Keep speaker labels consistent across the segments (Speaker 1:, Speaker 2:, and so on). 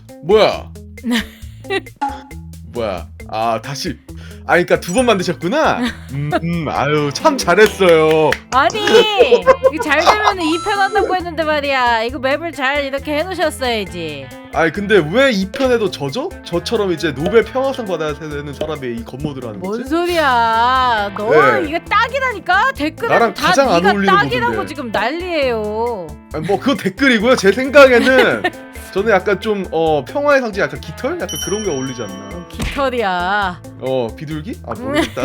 Speaker 1: 뭐야? 뭐야? 아 다시. 아 그러니까 두 번 만드셨구나. 아유 참 잘했어요.
Speaker 2: 아니 이거 잘 되면 2편 한다고 했는데 말이야. 이거 맵을 잘 이렇게 해놓으셨어야지.
Speaker 1: 아니 근데 왜 이 편에도 저죠? 저처럼 이제 노벨 평화상 받아야 되는 사람이 이 건모드를 하는
Speaker 2: 뭔
Speaker 1: 거지?
Speaker 2: 소리야? 너
Speaker 1: 네.
Speaker 2: 이거 딱이라니까. 댓글에
Speaker 1: 나랑
Speaker 2: 다
Speaker 1: 가장 안
Speaker 2: 네가
Speaker 1: 어울리는
Speaker 2: 딱이라고
Speaker 1: 모드인데.
Speaker 2: 지금 난리예요.
Speaker 1: 아니, 뭐 그건 댓글이고요. 제 생각에는 저는 약간 좀 평화의 상징, 약간 깃털, 약간 그런 게 어울리지 않나?
Speaker 2: 깃털이야.
Speaker 1: 비둘기? 아 모르겠다.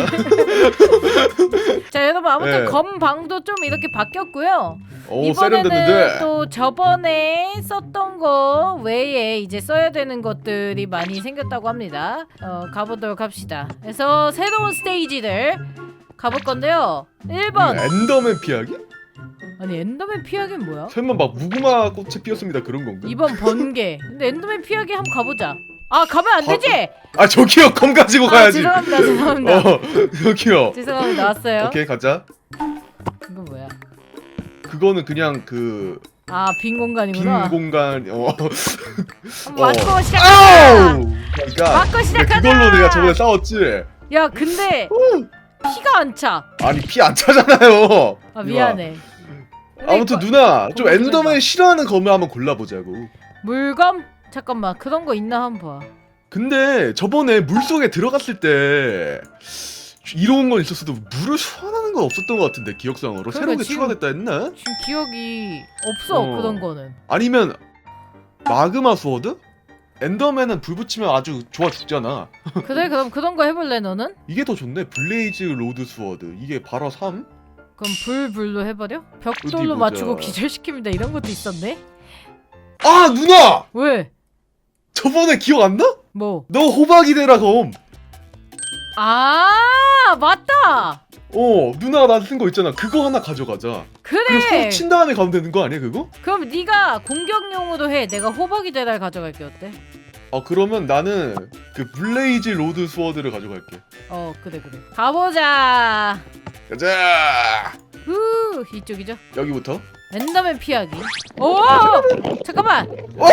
Speaker 2: 자 여러분 아무튼
Speaker 1: 네.
Speaker 2: 검방도 좀 이렇게 바뀌었고요.
Speaker 1: 오
Speaker 2: 이번에는
Speaker 1: 세련됐는데.
Speaker 2: 또 저번에 썼던 거 외에 이제 써야 되는 것들이 많이 생겼다고 합니다. 가보도록 합시다. 그래서 새로운 스테이지를 가볼 건데요. 1번.
Speaker 1: 엔더맨 피하기?
Speaker 2: 아니 엔더맨 피하기는 뭐야?
Speaker 1: 설마 막 무궁화 꽃이 피었습니다 그런 건가?
Speaker 2: 2번 번개. 근데 엔더맨 피하기 한번 가보자. 아 가면 안 되지?
Speaker 1: 아 저기요 검 가지고 가야지.
Speaker 2: 죄송합니다 죄송합니다.
Speaker 1: 저기요.
Speaker 2: 죄송합니다 나왔어요.
Speaker 1: 오케이 가자.
Speaker 2: 이거 뭐야?
Speaker 1: 그거는 그냥 그
Speaker 2: 빈
Speaker 1: 빈
Speaker 2: 공간이구나.
Speaker 1: 공간.
Speaker 2: 한번 맞고 시작하자.
Speaker 1: 아우! 그러니까
Speaker 2: 맞고 시작하자.
Speaker 1: 그걸로 내가 저번에 싸웠지.
Speaker 2: 야 근데 피가 안 차.
Speaker 1: 아니 피 안 차잖아요.
Speaker 2: 아 미안해.
Speaker 1: 아무튼
Speaker 2: 이거-
Speaker 1: 누나 좀
Speaker 2: 검은
Speaker 1: 엔더맨 싫어하는 검을 한번 골라보자고.
Speaker 2: 물검? 잠깐만 그런 거 있나 한번 봐.
Speaker 1: 근데 저번에 물속에 들어갔을 때 이로운 건 있었어도 물을 소환하는 건 없었던 것 같은데 기억상으로
Speaker 2: 그러니까
Speaker 1: 새로운 게
Speaker 2: 지금-
Speaker 1: 추가됐다 했나?
Speaker 2: 지금 기억이 없어 그런 거는.
Speaker 1: 아니면 마그마 스워드? 엔더맨은 불 붙이면 아주 좋아 죽잖아.
Speaker 2: 그래 그럼 그런 거 해볼래 너는?
Speaker 1: 이게 더 좋네. 블레이즈 로드 스워드. 이게 바로 3?
Speaker 2: 그럼 불로 해버려?
Speaker 1: 어디
Speaker 2: 벽돌로
Speaker 1: 보자.
Speaker 2: 맞추고 기절시킵니다 이런 것도 있었네?
Speaker 1: 아 누나!
Speaker 2: 왜?
Speaker 1: 저번에 기억 안 나?
Speaker 2: 뭐?
Speaker 1: 너 호박이 되라 검.
Speaker 2: 아 맞다!
Speaker 1: 누나가 나한테 쓴 거 있잖아. 그거 하나 가져가자. 그리고
Speaker 2: 그래!
Speaker 1: 서로 친 다음에 가면 되는 거 아니야 그거?
Speaker 2: 그럼 네가 공격용으로 해. 내가 호박이 대달 가져갈게 어때?
Speaker 1: 그러면 나는 그 블레이즈 로드 스워드를 가져갈게.
Speaker 2: 그래 가보자.
Speaker 1: 가자.
Speaker 2: 후 이쪽이죠?
Speaker 1: 여기부터.
Speaker 2: 엔더맨 피하기. 오 잠깐만.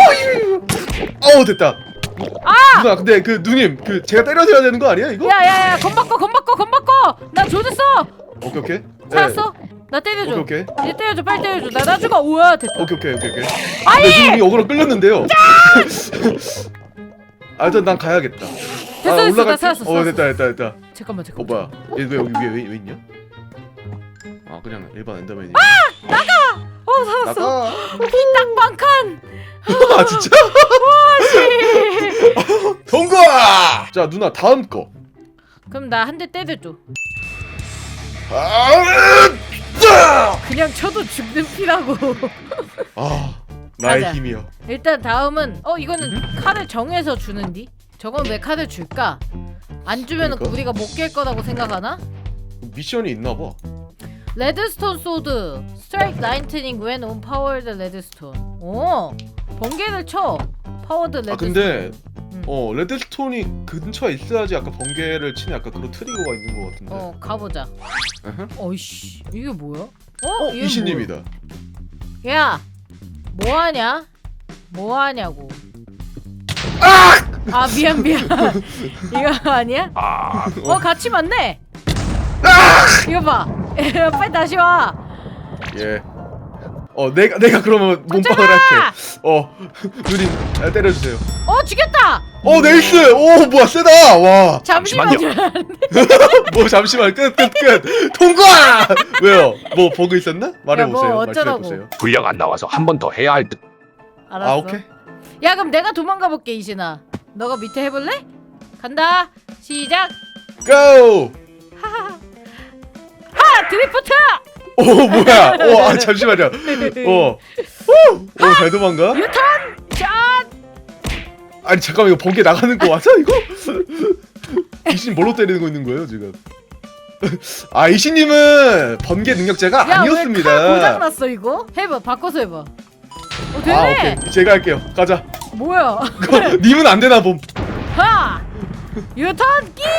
Speaker 1: 됐다. 누나 근데 그 누님 그 제가 때려줘야 되는 거 아니야 이거?
Speaker 2: 야야야 검 바꿔 나 조졌어.
Speaker 1: 오케이.
Speaker 2: 찾았어? 나 때려줘.
Speaker 1: 오케이.
Speaker 2: 이제 때려줘 빨리 때려줘. 나 죽어. 우와 됐다.
Speaker 1: 오케이. 근데 누님이 어그로 끌렸는데요. 일단 난 가야겠다.
Speaker 2: 됐어, 나
Speaker 1: 올라갈게.
Speaker 2: 찾았어.
Speaker 1: 됐다.
Speaker 2: 잠깐만
Speaker 1: 뭐야? 얘 왜 여기 위에 왜 있냐? 그냥 일반 엔더맨이.
Speaker 2: 살았어.
Speaker 1: 나가.
Speaker 2: 딱방칸.
Speaker 1: 아 진짜? 통과! 자 누나 다음 거.
Speaker 2: 그럼 나 한 대 때려줘. 그냥 쳐도 죽는 피라고.
Speaker 1: 나의
Speaker 2: 가자.
Speaker 1: 힘이여.
Speaker 2: 일단 다음은 이거는 칼을 정해서 주는디? 저건 왜 칼을 줄까? 안 주면
Speaker 1: 그러니까?
Speaker 2: 우리가 못 깰 거라고 생각하나?
Speaker 1: 미션이 있나 봐.
Speaker 2: 레드스톤 소드 스트라이크 라이트닝 when on powered 레드스톤. 오 번개를 쳐. 파워드 레드스톤.
Speaker 1: 근데 레드스톤이 근처에 있어야지 약간 번개를 치는 약간 그런 트리거가 있는 것 같은데.
Speaker 2: 가보자.
Speaker 1: 에헤.
Speaker 2: 어이씨 이게 뭐야? 얘는
Speaker 1: 이신님이다.
Speaker 2: 뭐야? 야 뭐하냐? 뭐하냐고. 미안 이거 아니야? 같이 맞네. 이거 봐. 빨리 다시 와.
Speaker 1: 예. 내가 그러면 몸빵을 할게. 누님 때려주세요.
Speaker 2: 죽였다.
Speaker 1: 네이스. 뭐야 세다. 와.
Speaker 2: 잠시만요.
Speaker 1: 뭐 잠시만 끝. 통과. 왜요? 뭐 버그 있었나? 말해보세요.
Speaker 2: 뭐 어쩌라고.
Speaker 1: 말씀해보세요.
Speaker 3: 분량 안 나와서 한 번 더 해야 할 듯.
Speaker 2: 알았어.
Speaker 1: 오케이.
Speaker 2: 야 그럼 내가 도망가 볼게 이신아. 너가 밑에 해볼래? 간다. 시작.
Speaker 1: 고.
Speaker 2: 드리프트.
Speaker 1: 뭐야? 잠시만요. 잘 도망가?
Speaker 2: 유턴. 샷.
Speaker 1: 아니 잠깐만 이거 번개 나가는 거 맞아 이거? 이신 뭘로 때리는 거 있는 거예요 지금? 이신님은 번개 능력자가 아니었습니다.
Speaker 2: 야왜 칼 고장났어 이거? 해봐 바꿔서 해봐. 되네.
Speaker 1: 오케이 제가 할게요. 가자.
Speaker 2: 뭐야?
Speaker 1: 님은 안 되나 봄.
Speaker 2: 유턴 끼.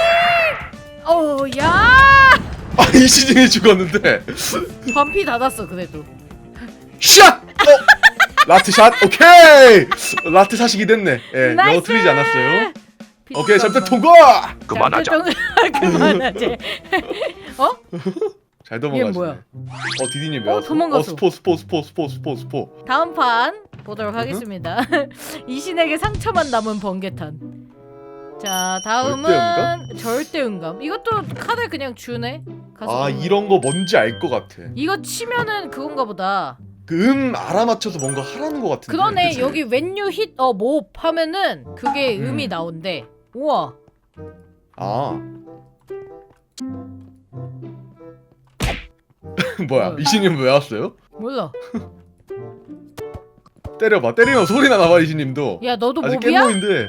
Speaker 2: 야.
Speaker 1: 이신님이 죽었는데.
Speaker 2: 반피 닫았어 그래도.
Speaker 1: 샷! 라트샷 오케이. 라트샷이기 됐네. 예, 영어
Speaker 2: 나이스!
Speaker 1: 틀리지 않았어요. 오케이,
Speaker 2: 비슷한
Speaker 1: 잠깐
Speaker 2: 거.
Speaker 1: 통과.
Speaker 3: 그만하자.
Speaker 2: 그만하지. 어?
Speaker 1: 잘 넘어가시네.
Speaker 2: 얘 뭐야?
Speaker 1: 디디님
Speaker 2: 어,
Speaker 1: 외웠어.
Speaker 2: 도망갔어.
Speaker 1: 스포.
Speaker 2: 다음 판 보도록 하겠습니다. 이 신에게 상처만 남은 번개탄. 자, 다음은 절대음감. 이것도 카드 그냥 주네. 가서
Speaker 1: 아,
Speaker 2: 보면.
Speaker 1: 이런 거 뭔지 알 것 같아.
Speaker 2: 이거 치면은 그건가 보다.
Speaker 1: 그 알아맞혀서 뭔가 하라는 것 같은데.
Speaker 2: 그러네.
Speaker 1: 그치?
Speaker 2: 여기 when you hit a mob 하면은 그게
Speaker 1: 음.
Speaker 2: 음이 나온대. 우와.
Speaker 1: 아. 뭐야?
Speaker 2: 뭐야?
Speaker 1: 이신님 왜 왔어요?
Speaker 2: 몰라.
Speaker 1: 때려봐. 때리면 소리나 나봐 이신님도.
Speaker 2: 야, 너도
Speaker 1: 아직
Speaker 2: 몹이야?
Speaker 1: 깻모인데.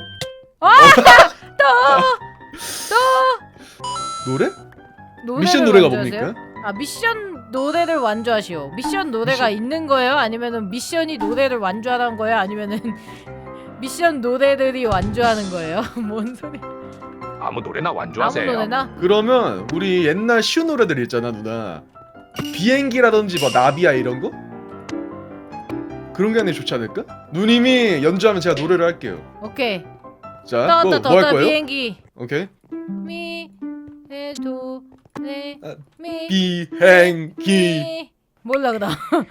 Speaker 1: 노래?
Speaker 2: 노래를
Speaker 1: 미션 노래가
Speaker 2: 완주하세요?
Speaker 1: 뭡니까?
Speaker 2: 아, 미션 노래를 완주하시오. 미션 노래가 있는 거예요? 아니면은 미션이 노래를 완주하는 거예요? 아니면은 미션 노래들이 완주하는 거예요? 뭔 소리?
Speaker 3: 아무 노래나
Speaker 2: 아무
Speaker 3: 완주하세요.
Speaker 2: 노래나?
Speaker 1: 그러면 우리 옛날 쉬운 노래들 있잖아 누나. 비행기라든지 뭐 나비야 이런 거? 그런 게 아니면 좋지 않을까? 누님이 연주하면 제가 노래를 할게요.
Speaker 2: 오케이.
Speaker 1: 자, 뭐 할 거예요?
Speaker 2: 비행기.
Speaker 1: 오케이.
Speaker 2: 미, 레, 도, 레,
Speaker 1: 아,
Speaker 2: 미,
Speaker 1: 비행기.
Speaker 2: 미. 몰라 그다음.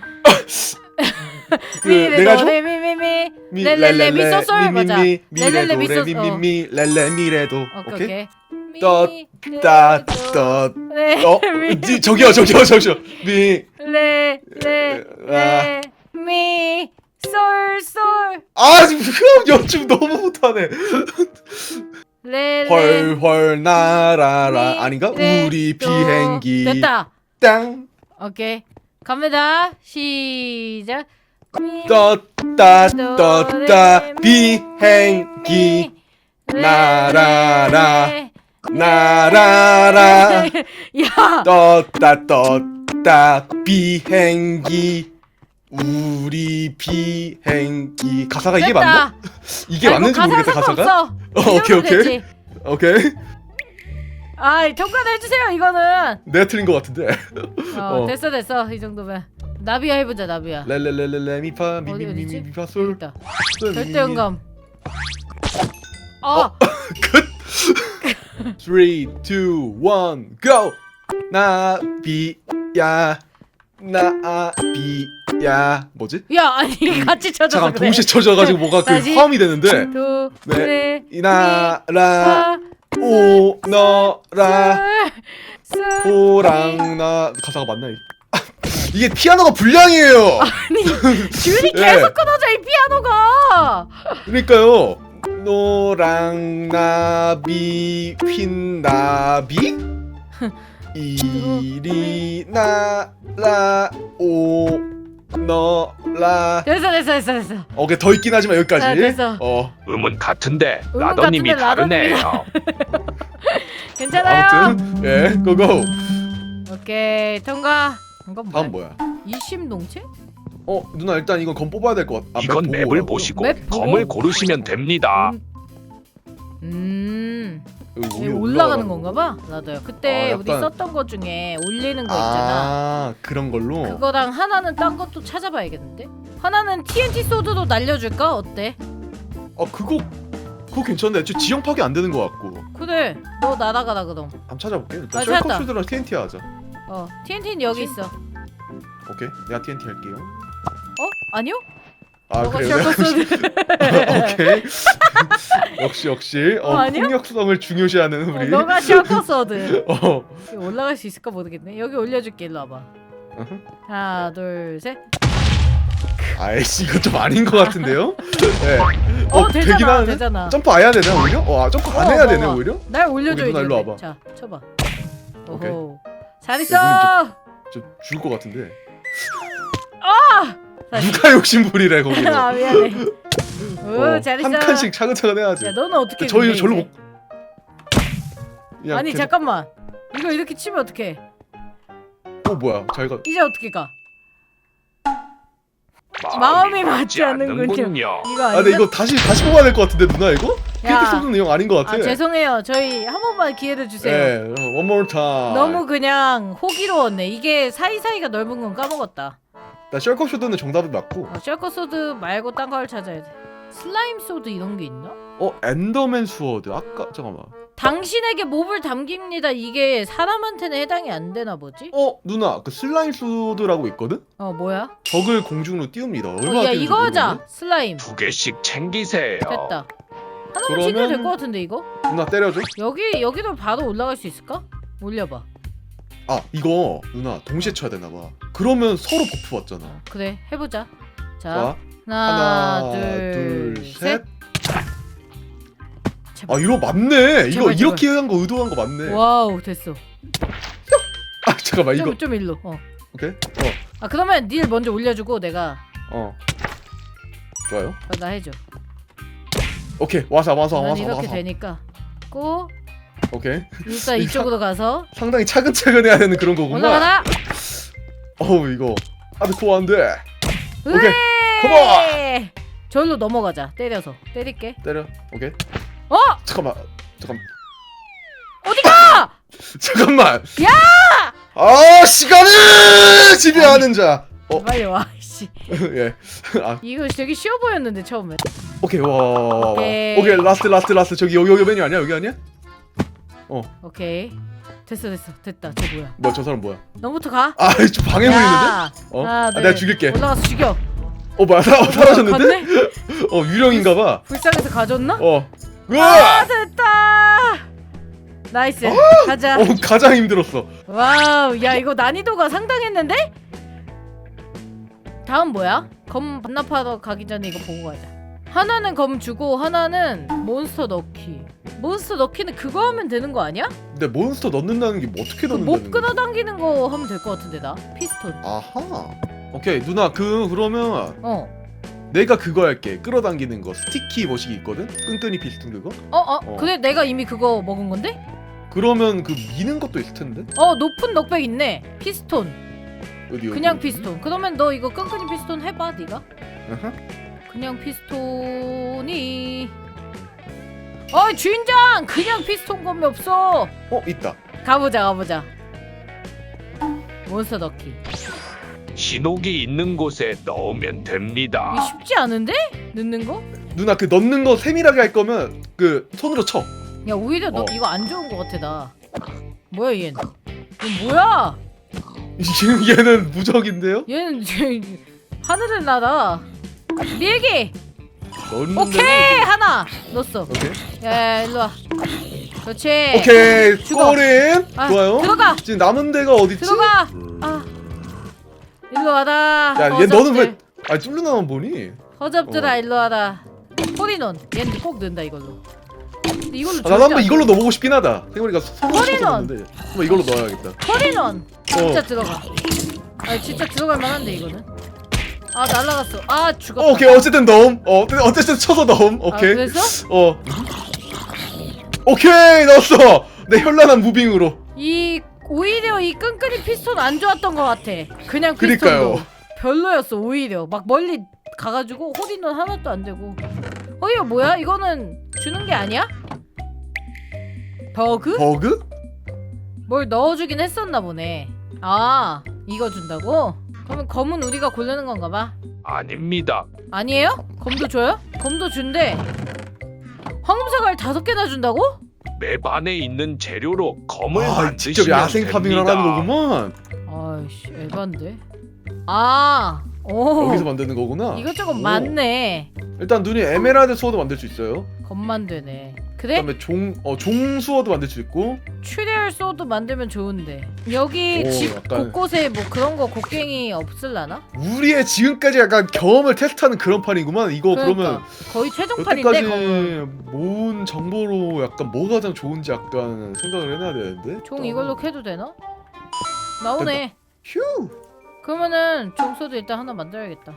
Speaker 1: 그
Speaker 2: 미, 레,
Speaker 1: 내가
Speaker 2: 도,
Speaker 1: 줘?
Speaker 2: 레, 미, 미, 미.
Speaker 1: 미
Speaker 2: 레레레, 미, 소, 솔. 맞아. 레레레, 미, 소,
Speaker 1: 미미미 렐레 미레도.
Speaker 2: 오케이,
Speaker 1: 오케이.
Speaker 2: 오케이. 미,
Speaker 1: 떠,
Speaker 2: 레,
Speaker 1: 따,
Speaker 2: 도,
Speaker 1: 떠.
Speaker 2: 레, 미,
Speaker 1: 저기요. 미.
Speaker 2: 레, 레, 레, 미, 솔, 솔.
Speaker 1: 아, 지금 연주 너무 못하네.
Speaker 2: 레, 레.
Speaker 1: 헐헐 날아라
Speaker 2: 미,
Speaker 1: 아닌가?
Speaker 2: 레,
Speaker 1: 우리
Speaker 2: 도.
Speaker 1: 비행기
Speaker 2: 됐다.
Speaker 1: 땅
Speaker 2: 오케이. 갑니다. 시작. 미,
Speaker 1: 떴다
Speaker 2: 도,
Speaker 1: 떴다
Speaker 2: 레, 미,
Speaker 1: 비행기
Speaker 2: 미, 레,
Speaker 1: 날아라.
Speaker 2: 레,
Speaker 1: 날아라
Speaker 2: 야,
Speaker 1: 떴다 비행기 우리 비행기 가사가 이게 맞나?
Speaker 2: 됐다.
Speaker 1: 이게 맞는지 모르겠다 가사가.
Speaker 2: 상관없어.
Speaker 1: 오케이,
Speaker 2: 이 정도
Speaker 1: 오케이.
Speaker 2: 됐지.
Speaker 1: 오케이
Speaker 2: 아, 통과를 해주세요. 이거는.
Speaker 1: 내가 틀린 것 같은데. 어.
Speaker 2: 됐어. 이 정도면. 나비야 해보자, 나비야.
Speaker 1: 렐렐렐렐레 미파
Speaker 2: 어디, 어디지?
Speaker 1: 미미미미파 솔
Speaker 2: 있다. 절대음감. 아,
Speaker 1: 끝. 3, 2, 1, go. 나비야 뭐지?
Speaker 2: 야, 아니 같이 쳐줘서
Speaker 1: 잠깐
Speaker 2: 그래.
Speaker 1: 동시에 쳐져가지고 뭐가 그
Speaker 2: 다시.
Speaker 1: 화음이 되는데.
Speaker 2: 도,
Speaker 1: 네.
Speaker 2: 레,
Speaker 1: 나라
Speaker 2: 미,
Speaker 1: 오너라
Speaker 2: 솔.
Speaker 1: 호랑나 가사가 맞나 이게? 이게 피아노가 불량이에요.
Speaker 2: 아니, 줄이
Speaker 1: 네.
Speaker 2: 계속 끊어져 이 피아노가.
Speaker 1: 그러니까요. 노랑나비 휜나비 이리 나라 오너라.
Speaker 2: 됐어.
Speaker 1: 오케이 더 있긴 하지만 여기까지.
Speaker 2: 아, 됐어.
Speaker 3: 음은 같은데
Speaker 2: 음은
Speaker 3: 라더님이
Speaker 2: 같은데
Speaker 3: 다르네요.
Speaker 2: 괜찮아요.
Speaker 1: 아무튼 예 고고.
Speaker 2: 오케이, 통과. 이건 뭐야?
Speaker 1: 다음 뭐야?
Speaker 2: 이심동체?
Speaker 1: 누나 일단 이건 검 뽑아야 될 것 같아.
Speaker 3: 이건 맵을 보시고
Speaker 2: 맵 보고?
Speaker 3: 검을 고르시면 됩니다.
Speaker 2: 이게 올라가는 건가 봐. 나도요. 그때
Speaker 1: 아,
Speaker 2: 우리
Speaker 1: 약간-
Speaker 2: 썼던 것 중에 올리는 거 있잖아.
Speaker 1: 그런 걸로.
Speaker 2: 그거랑 하나는 딴 것도 찾아봐야겠는데? 하나는 TNT 소드도 날려줄까? 어때?
Speaker 1: 그거 괜찮네. 저 지형 파괴 안 되는 것 같고.
Speaker 2: 그래, 너 날아가라 그럼.
Speaker 1: 한번 찾아볼게. 일단
Speaker 2: 아, 찾았다.
Speaker 1: 셜컵슈드랑 TNT 하자.
Speaker 2: TNT는 여기 있어.
Speaker 1: 오케이. 내가 TNT 할게요.
Speaker 2: 아니요?
Speaker 1: 아
Speaker 2: 너가
Speaker 1: 그래요?
Speaker 2: 셜커 소드.
Speaker 1: 오케이. 역시
Speaker 2: 아니요?
Speaker 1: 폭력성을 중요시하는 우리.
Speaker 2: 너가 셜커 소드.
Speaker 1: 어.
Speaker 2: 여기 올라갈 수 있을까 모르겠네. 여기 올려줄게. 일로 와봐.
Speaker 1: 어허.
Speaker 2: 하나, 둘, 셋.
Speaker 1: 아이씨 이거 좀 아닌 것 같은데요? 네. 되긴
Speaker 2: 되잖아,
Speaker 1: 하네.
Speaker 2: 되잖아.
Speaker 1: 점프 안 해야 되나 오히려? 점프 안 해야 되네
Speaker 2: 봐봐.
Speaker 1: 오히려?
Speaker 2: 날 올려줘
Speaker 1: 누나
Speaker 2: 이제.
Speaker 1: 일로 와봐.
Speaker 2: 자, 쳐봐.
Speaker 1: 오케이.
Speaker 2: 오호. 잘 있어.
Speaker 1: 저 죽을 것 같은데.
Speaker 2: 다시.
Speaker 1: 누가 욕심부리래 거기서.
Speaker 2: 아, 미안해. 오, 잘 있어.
Speaker 1: 한 칸씩 차근차근 해야지.
Speaker 2: 야, 너는 어떻게?
Speaker 1: 저희
Speaker 2: 근데
Speaker 1: 절로
Speaker 2: 이제?
Speaker 1: 못. 야,
Speaker 2: 아니
Speaker 1: 걔-
Speaker 2: 잠깐만. 이거 이렇게 치면 어떡해?
Speaker 1: 뭐야? 잘가.
Speaker 2: 이제 어떻게 가? 마음이 맞지 않는군요. 이거
Speaker 1: 아,
Speaker 2: 아니야?
Speaker 1: 근데 이거 다시 뽑아야 될 것 같은데 누나 이거?
Speaker 2: 야.
Speaker 1: TNT 쏘는 내용 아닌 것 같아.
Speaker 2: 아, 죄송해요. 저희 한 번만 기회를 주세요.
Speaker 1: 네, one more time.
Speaker 2: 너무 그냥 호기로웠네. 이게 사이사이가 넓은 건 까먹었다.
Speaker 1: 나 셜커 쇼드는 정답이 맞고.
Speaker 2: 셜커 소드 말고 딴 걸 찾아야 돼. 슬라임 소드 이런 게 있나?
Speaker 1: 엔더맨 스워드. 아까 잠깐만.
Speaker 2: 당신에게 몹을 담깁니다. 이게 사람한테는 해당이 안 되나 보지?
Speaker 1: 누나 그 슬라임 스워드라고 있거든?
Speaker 2: 뭐야?
Speaker 1: 적을 공중으로 띄웁니다. 얼마나
Speaker 2: 야
Speaker 1: 띄우는지
Speaker 2: 이거 하자.
Speaker 1: 모르겠네.
Speaker 2: 슬라임
Speaker 3: 2개씩 챙기세요.
Speaker 2: 됐다. 하나만
Speaker 1: 그러면-
Speaker 2: 챙겨도 될 것 같은데 이거?
Speaker 1: 누나 때려줘.
Speaker 2: 여기도 바로 올라갈 수 있을까? 올려봐.
Speaker 1: 이거 누나 동시에 쳐야 되나봐. 그러면 서로 버프 받잖아.
Speaker 2: 그래 해보자. 자
Speaker 1: 자,
Speaker 2: 하나
Speaker 1: 둘,
Speaker 2: 둘
Speaker 1: 셋.
Speaker 2: 셋. 제발.
Speaker 1: 이거 맞네. 이거
Speaker 2: 제발,
Speaker 1: 이렇게 한 거 의도한 거 맞네.
Speaker 2: 와우 됐어.
Speaker 1: 잠깐만 이거.
Speaker 2: 좀 일로.
Speaker 1: 오케이.
Speaker 2: 그러면 닐 먼저 올려주고 내가
Speaker 1: 좋아요.
Speaker 2: 나 해줘.
Speaker 1: 오케이. 와서
Speaker 2: 난 이렇게 되니까. 고
Speaker 1: 오케이.
Speaker 2: 일단 이쪽으로 가서
Speaker 1: 상당히 차근차근 해야 되는 그런 거구나.
Speaker 2: 올라가라.
Speaker 1: 이거 하드코어 안 돼. 오케이.
Speaker 2: 컴온. 절로 넘어가자. 때려서 때릴게.
Speaker 1: 때려. 오케이. 잠깐만.
Speaker 2: 어디가?
Speaker 1: 잠깐만.
Speaker 2: 야!
Speaker 1: 시간을 지배하는 자.
Speaker 2: 빨리 와. 씨.
Speaker 1: 예.
Speaker 2: 이거 되게 쉬워 보였는데 처음에.
Speaker 1: 오케이. 와.
Speaker 2: 오케이.
Speaker 1: 오케이. 라스트. 저기 여기 메뉴 아니야? 여기 아니야?
Speaker 2: 오케이. 됐어. 됐다. 저 뭐야?
Speaker 1: 뭐야 저 사람 뭐야?
Speaker 2: 너부터 가.
Speaker 1: 좀 방해 보이는데?
Speaker 2: 야. 하나, 둘.
Speaker 1: 내가 죽일게.
Speaker 2: 올라가서 죽여.
Speaker 1: 뭐야 사라졌는데?
Speaker 2: 갔네?
Speaker 1: 유령인가봐.
Speaker 2: 불쌍해서 가졌나?
Speaker 1: 으아!
Speaker 2: 됐다. 나이스. 가자.
Speaker 1: 가장 힘들었어.
Speaker 2: 와우. 야 이거 난이도가 상당했는데? 다음 뭐야? 검 반납하러 가기 전에 이거 보고 가자. 하나는 검 주고 하나는 몬스터 넣기. 몬스터 넣기는 그거 하면 되는 거 아니야?
Speaker 1: 근데 몬스터 넣는다는 게 뭐 어떻게 넣는다는
Speaker 2: 몹
Speaker 1: 거야?
Speaker 2: 끌어당기는 거 하면 될 것 같은데 나? 피스톤.
Speaker 1: 아하. 오케이 누나 그러면
Speaker 2: 어.
Speaker 1: 내가 그거 할게. 끌어당기는 거 스티키 머시기 있거든? 끈끈이 피스톤 그거?
Speaker 2: 그래 내가 이미 그거 먹은 건데?
Speaker 1: 그러면 그 미는 것도 있을 텐데?
Speaker 2: 높은 넉백 있네. 피스톤.
Speaker 1: 어디
Speaker 2: 그냥 피스톤. 그러면 너 이거 끈끈이 피스톤 해봐 네가.
Speaker 1: 아하.
Speaker 2: 그냥 피스톤이 주인장! 그냥 피스톤 검이 없어.
Speaker 1: 있다.
Speaker 2: 가보자. 몬스터 넣기.
Speaker 3: 신호기 있는 곳에 넣으면 됩니다.
Speaker 2: 이거 쉽지 않은데? 넣는 거?
Speaker 1: 누나 그 넣는 거 세밀하게 할 거면 그 손으로 쳐.
Speaker 2: 야 오히려 너 이거 안 좋은 거 같아 나. 뭐야 얘는? 이거 뭐야?
Speaker 1: 지금 얘는 무적인데요?
Speaker 2: 얘는 하늘을 날아. 밀기.
Speaker 1: 넣는
Speaker 2: 오케이 하나 넣었어.
Speaker 1: 오케이.
Speaker 2: 야 일로 와. 그렇지.
Speaker 1: 오케이.
Speaker 2: 죽어.
Speaker 1: 골인. 좋아요.
Speaker 2: 들어가.
Speaker 1: 지금 남은 데가 어딨지?
Speaker 2: 들어가. 일로 와라.
Speaker 1: 얘 너는 왜 뚫려나만 보니?
Speaker 2: 허접들아 일로 와라. 홀인원. 얘는 꼭 넣는다 이걸로. 근데 이걸로
Speaker 1: 나도 한번 이걸로 넣어보고 싶긴 하다. 생각해보니까 손으로
Speaker 2: 허리는!
Speaker 1: 쳐서 넣는데 한번 이걸로 넣어야겠다.
Speaker 2: 홀인원. 진짜 들어가. 진짜 들어갈 만한데 이거는. 날라갔어. 죽었다.
Speaker 1: 오케이 어쨌든 넣음. 어쨌든 쳐서 넣음. 오케이.
Speaker 2: 그래서?
Speaker 1: 오케이 넣었어. 내 현란한 무빙으로.
Speaker 2: 오히려 이 끈끈이 피스톤 안 좋았던 것 같아. 그냥 피스톤도
Speaker 1: 그니까요.
Speaker 2: 별로였어 오히려. 막 멀리 가가지고 홀인원 하나도 안 되고. 이거 뭐야? 이거는 주는 게 아니야? 버그?
Speaker 1: 버그?
Speaker 2: 뭘 넣어주긴 했었나 보네. 이거 준다고? 그러면 검은 우리가 고르는 건가 봐.
Speaker 3: 아닙니다.
Speaker 2: 아니에요? 검도 줘요? 검도 준대. 황금사과를 5개나 준다고?
Speaker 3: 맵 안에 있는 재료로 검을 만드시면
Speaker 1: 직접 야생 파밍을
Speaker 3: 됩니다.
Speaker 1: 하는 거구만.
Speaker 2: 아이씨 에반데. 오.
Speaker 1: 여기서 만드는 거구나.
Speaker 2: 이것저것 많네.
Speaker 1: 일단 눈이 에메랄드 스워드 만들 수 있어요.
Speaker 2: 검만 되네. 그래?
Speaker 1: 그다음에 종 스워드 만들 수 있고.
Speaker 2: 출혈 소드 만들면 좋은데. 여기 집
Speaker 1: 약간-
Speaker 2: 곳곳에 뭐 그런 거 곡괭이 없을라나?
Speaker 1: 우리의 지금까지 약간 경험을 테스트하는 그런 판이구만. 이거 그러면
Speaker 2: 거의 최종판인데 검은.
Speaker 1: 여태까지 모은 정보로 약간 뭐가 가장 좋은지 약간 생각을 해놔야 되는데.
Speaker 2: 종 이걸로 캐도 되나? 나오네.
Speaker 1: 휴.
Speaker 2: 그러면은 종소도 일단 하나 만들어야겠다.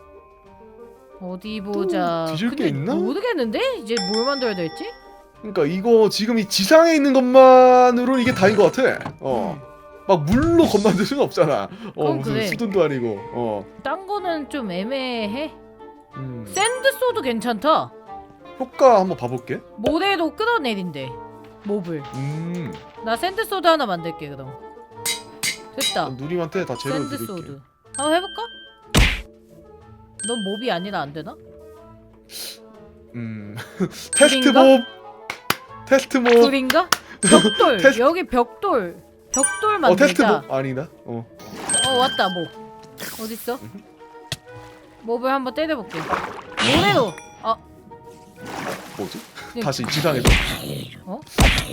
Speaker 2: 어디 보자.
Speaker 1: 뒤질 게
Speaker 2: 근데
Speaker 1: 있나?
Speaker 2: 모르겠는데? 이제 뭘 만들어야 될지?
Speaker 1: 그러니까 이거 지금 이 지상에 있는 것만으로 이게 다인 것 같아. 막 물로 겁 만들 수는 없잖아.
Speaker 2: 그건
Speaker 1: 무슨
Speaker 2: 그래.
Speaker 1: 수돈도 아니고.
Speaker 2: 딴 거는 좀 애매해.
Speaker 1: 음.
Speaker 2: 샌드 소드 괜찮다.
Speaker 1: 효과 한번 봐볼게.
Speaker 2: 모래도 끌어내린대. 몹을. 나 샌드 소드 하나 만들게 그럼. 됐다.
Speaker 1: 누님한테 다 재료
Speaker 2: 샌드
Speaker 1: 드릴게.
Speaker 2: 소드. 한번 해볼까? 넌 몹이 아니라 안 되나?
Speaker 1: 테스트
Speaker 2: 불인가?
Speaker 1: 몹. 테스트 몹.
Speaker 2: 불인가? 벽돌.
Speaker 1: 테스트-
Speaker 2: 여기 벽돌. 벽돌
Speaker 1: 테스트
Speaker 2: 만들자.
Speaker 1: 몹 아니다.
Speaker 2: 왔다 몹. 어딨어? 몹을 한번 때려볼게. 뭐래요?
Speaker 1: 뭐지?
Speaker 2: 네.
Speaker 1: 다시 지상에서.
Speaker 2: 어?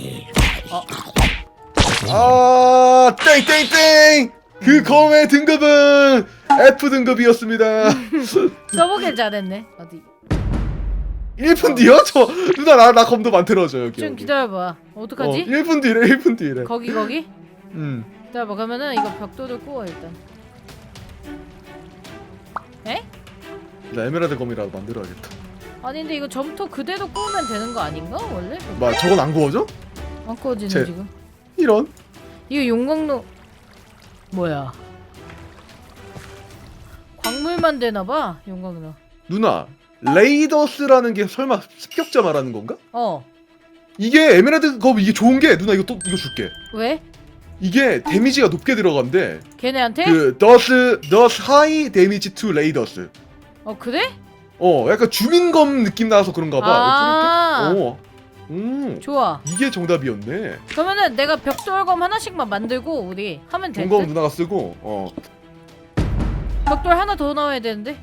Speaker 1: 아, 땡땡땡. 그 검의 등급은 F 등급이었습니다.
Speaker 2: 써보길 잘했네. 어디?
Speaker 1: 1분 뒤요? 저 누나 나 검도 만들어줘 여기.
Speaker 2: 좀
Speaker 1: 여기.
Speaker 2: 기다려봐. 어떡하지?
Speaker 1: 1분 뒤래. 1분 뒤래.
Speaker 2: 거기. 기다려봐. 그러면은 이거 벽돌을 구워 일단. 에?
Speaker 1: 나 에메랄드 검이라도 만들어야겠다.
Speaker 2: 아니 근데 이거 점토 그대로 구우면 되는 거 아닌가? 원래?
Speaker 1: 막 저건 안 구워져?
Speaker 2: 안 구워지네
Speaker 1: 제-
Speaker 2: 지금.
Speaker 1: 이런.
Speaker 2: 이거 용광로 뭐야? 광물만 되나봐 용광로.
Speaker 1: 누나 레이더스라는 게 설마 습격자 말하는 건가?
Speaker 2: 이게
Speaker 1: 에메랄드 검 이게 좋은 게 누나 이거 줄게.
Speaker 2: 왜?
Speaker 1: 이게 데미지가 높게 들어간대.
Speaker 2: 걔네한테?
Speaker 1: 그 does high damage to raiders.
Speaker 2: 그래?
Speaker 1: 약간 주민검 느낌 나서 그런가 봐.
Speaker 2: 아
Speaker 1: 이렇게?
Speaker 2: 좋아.
Speaker 1: 이게 정답이었네.
Speaker 2: 그러면은 내가 벽돌검 하나씩만 만들고 우리 하면 될
Speaker 1: 동검
Speaker 2: 듯?
Speaker 1: 누나가 쓰고.
Speaker 2: 벽돌 하나 더 넣어야 되는데.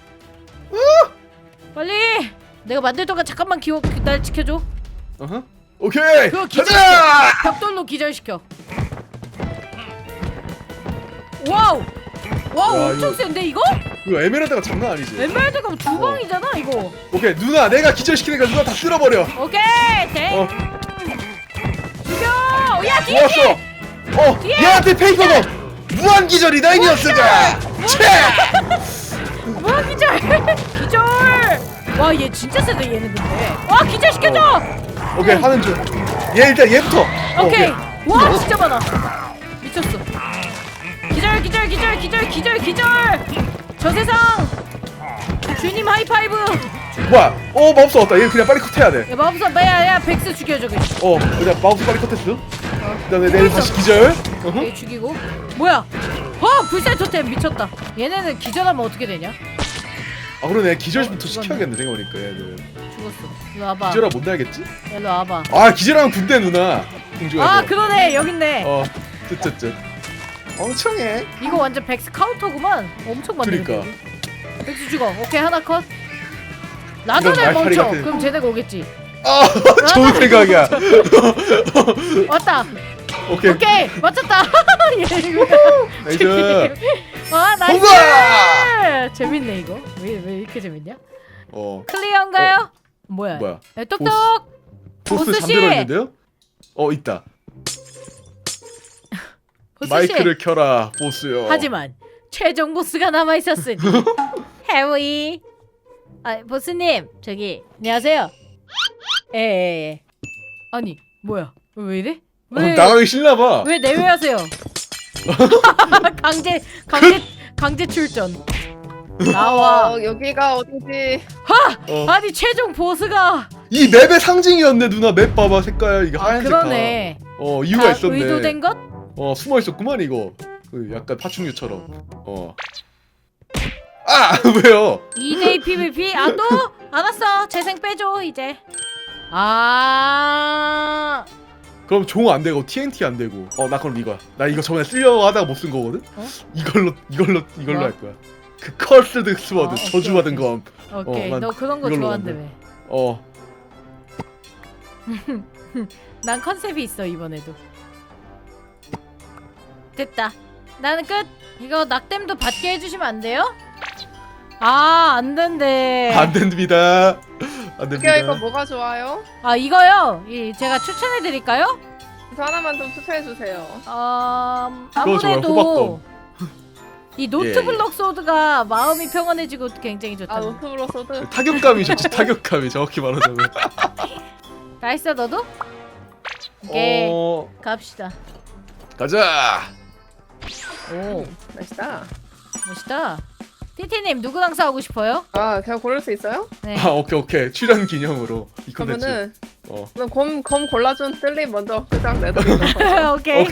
Speaker 2: 빨리! 내가 만들 동안 잠깐만 날 지켜줘.
Speaker 1: 어허. 오케이.
Speaker 2: 그거
Speaker 1: 가자.
Speaker 2: 벽돌로 기절시켜. 와우! 와우
Speaker 1: 야,
Speaker 2: 엄청
Speaker 1: 이거-
Speaker 2: 센데 이거?
Speaker 1: 이거 에메랄드가 장난 아니지.
Speaker 2: 에메랄드가 두 방이잖아 이거.
Speaker 1: 오케이 누나 내가 기절시키니까 누나 다 쓸어버려.
Speaker 2: 오케이 대
Speaker 1: 어
Speaker 2: 죽여! 야 뒤에!
Speaker 1: 좋았어.
Speaker 2: 뒤에!
Speaker 1: 얘한테 페이커가 무한 기절이다 이 녀석아.
Speaker 2: 뭐야 기절! 기절! 와 얘 진짜 세다 얘는 근데. 와 기절 시켜줘!
Speaker 1: 오케이 하는 중. 얘 일단 얘부터.
Speaker 2: 오케이. 와 진짜 많아. 미쳤어. 기절. 저 세상. 주님 하이파이브.
Speaker 1: 뭐야? 마우스 왔다. 얘 그냥 빨리 컷해야 돼.
Speaker 2: 야 마법사 야 백스 죽여 저기.
Speaker 1: 그냥 마우스 빨리 컷했어. 그다음에 내일 다시 기절.
Speaker 2: 얘 죽이고. 뭐야? 불살 토템 미쳤다. 얘네는 기절하면 어떻게 되냐?
Speaker 1: 아 그러네 기절부터
Speaker 2: 죽었네.
Speaker 1: 시켜야겠네 생각해보니까 얘들.
Speaker 2: 죽었어. 일로 와봐.
Speaker 1: 기절하 못 나겠지?
Speaker 2: 일로 와봐.
Speaker 1: 아 기절하면 군대 누나. 공주가.
Speaker 2: 그러네 여기 있네.
Speaker 1: 쯧쯧쯧. 엉청해.
Speaker 2: 이거 완전 백스 카운터구만. 엄청 많네.
Speaker 1: 그러니까.
Speaker 2: 백스 죽어. 오케이 하나 컷. 라전을
Speaker 1: 말파리
Speaker 2: 멈춰.
Speaker 1: 같은-
Speaker 2: 그럼 쟤네가 오겠지.
Speaker 1: 좋은 생각이야.
Speaker 2: 왔다.
Speaker 1: 오케이.
Speaker 2: 오케이 맞췄다.
Speaker 1: 나이스.
Speaker 2: 나이스.
Speaker 1: 통과!
Speaker 2: 재밌네 이거. 왜 이렇게 재밌냐?
Speaker 1: 어.
Speaker 2: 클리어인가요? 뭐야?
Speaker 1: 뭐야?
Speaker 2: 야, 똑똑.
Speaker 1: 보스
Speaker 2: 보스 씨!
Speaker 1: 잠들어 있는데요? 있다.
Speaker 2: 보스
Speaker 1: 마이크를
Speaker 2: 씨.
Speaker 1: 켜라 보스요.
Speaker 2: 하지만 최종 보스가 남아 있었으니 해위. 보스님 저기 안녕하세요. 예. 아니 뭐야? 왜 이래?
Speaker 1: 나가기 싫나봐.
Speaker 2: 왜 내외하세요? 강제 출전. 나와.
Speaker 4: 여기가 어디지?
Speaker 2: 아니 최종 보스가.
Speaker 1: 이 맵의 상징이었네 누나. 맵 봐봐 색깔 이게 하얀색
Speaker 2: 그러네.
Speaker 1: 다. 이유가
Speaker 2: 다
Speaker 1: 있었네.
Speaker 2: 의도된 것?
Speaker 1: 숨어 있었구만 이거. 약간 파충류처럼. 왜요?
Speaker 2: 2대2 PVP? 또? 알았어. 재생 빼줘 이제.
Speaker 1: 그럼 종 안 되고 TNT 안 되고. 나 그럼 이거야. 나 이거 저번에 쓰려고 하다가 못 쓴 거거든. 이걸로
Speaker 2: 뭐?
Speaker 1: 할 거야. 그 컬스드 스워드
Speaker 2: 오케이,
Speaker 1: 저주받은
Speaker 2: 오케이.
Speaker 1: 검.
Speaker 2: 오케이.
Speaker 1: 난
Speaker 2: 너 그런 거
Speaker 1: 이걸로
Speaker 2: 좋아한다며. 난 컨셉이 있어 이번에도. 됐다. 나는 끝. 이거 낙댐도 받게 해주시면 안 돼요? 안 된대.
Speaker 1: 안 됩니다. 안 됩니다.
Speaker 4: 이거 뭐가 좋아요?
Speaker 2: 이거요. 제가 추천해 드릴까요?
Speaker 4: 저 하나만 좀 추천해 주세요.
Speaker 1: 좋아요,
Speaker 2: 아무래도
Speaker 1: 호박검.
Speaker 2: 이 노트블럭 소드가 마음이 평온해지고 굉장히 좋다.
Speaker 4: 노트브로 소드.
Speaker 1: 타격감이 좋지. 타격감이 정확히 말하자면.
Speaker 2: 다 했어 너도? 오케이. 갑시다.
Speaker 1: 가자.
Speaker 2: 오
Speaker 4: 맛있다.
Speaker 2: 멋있다. 티티님 누구랑 싸우고 싶어요?
Speaker 4: 제가 고를 수 있어요?
Speaker 2: 네.
Speaker 1: 오케이. 출연 기념으로 이 콘텐츠.
Speaker 4: 그러면은
Speaker 1: 어.
Speaker 4: 검 골라준 뜰리 먼저 그장 내드리도록
Speaker 2: 오케이.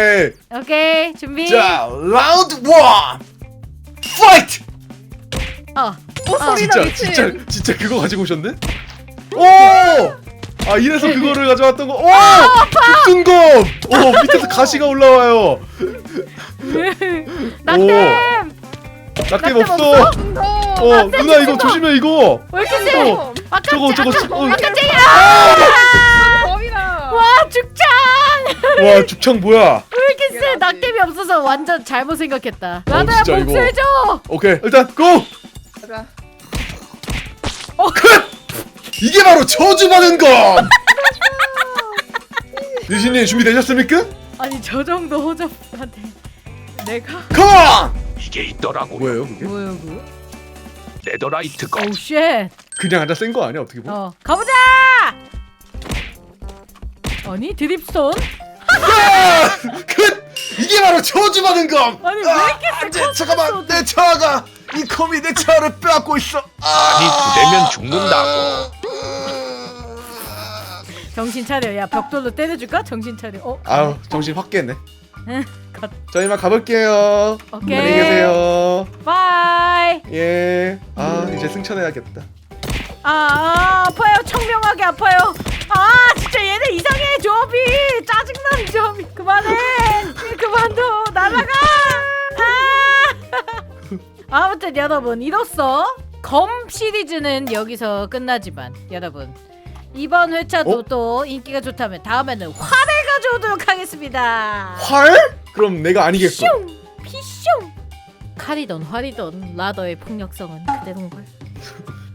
Speaker 1: 오케이.
Speaker 2: 준비.
Speaker 1: 자, 라운드 1. 파이트.
Speaker 4: 소리나
Speaker 1: 진짜
Speaker 4: 미친.
Speaker 1: 진짜 그거 가지고 오셨네? 오! 아 이래서 그거를 가져왔던 거. 오! 죽순검. 오 밑에서 가시가 올라와요.
Speaker 2: 낙댐!
Speaker 1: 낙뎀 없어. 누나 이거 조심해 이거.
Speaker 2: 왜 이렇게 세?
Speaker 1: 어, 저거
Speaker 2: 아까 쟁이!
Speaker 4: 범이다.
Speaker 2: 와 죽창!
Speaker 1: 와 죽창 뭐야?
Speaker 2: 왜 이렇게 세?
Speaker 4: 당연하지.
Speaker 2: 낙댐이 없어서 완전 잘못 생각했다. 라다야
Speaker 1: 진짜 이거.
Speaker 2: 복수해줘!
Speaker 1: 오케이 일단 고!
Speaker 4: 가자.
Speaker 1: 이게 바로 저주받은 검! 유신님 준비되셨습니까?
Speaker 2: 아니 저 정도 호접한테 내가?
Speaker 1: 컴온!
Speaker 3: 이게 있더라고요.
Speaker 1: 뭐예요 그게?
Speaker 2: 뭐야 그거?
Speaker 3: 네더라이트 검.
Speaker 2: 오우 쉣!
Speaker 1: 그냥 앉아 센 거 아니야 어떻게 보면?
Speaker 2: 가보자! 아니 드립스톤?
Speaker 1: 이게 바로 저주받은 검!
Speaker 2: 아니 왜 이렇게 세?
Speaker 1: 잠깐만 내 차가 이 검이 내 차를 빼앗고 있어.
Speaker 3: 아니 부대면 죽는다고.
Speaker 2: 정신 차려. 야 벽돌로 때려줄까? 정신 차려.
Speaker 1: 아우 정신 확 깼네.
Speaker 2: 갓.
Speaker 1: 저 이만 가볼게요.
Speaker 2: 오케이.
Speaker 1: 안녕히 계세요.
Speaker 2: 바이.
Speaker 1: 예. 아 이제 승천해야겠다.
Speaker 2: 아파요. 청명하게 아파요. 진짜 얘네 이상해 조합이. 짜증나는 조합이. 그만해. 그만둬. 날아가. 아무튼 여러분 이로써 검 시리즈는 여기서 끝나지만 여러분 이번 회차도 또 인기가 좋다면 다음에는 활을 가져오도록 하겠습니다.
Speaker 1: 활? 그럼 내가 아니겠고.
Speaker 2: 슝! 피슝! 칼이던 활이던 라더의 폭력성은 그대로인 걸.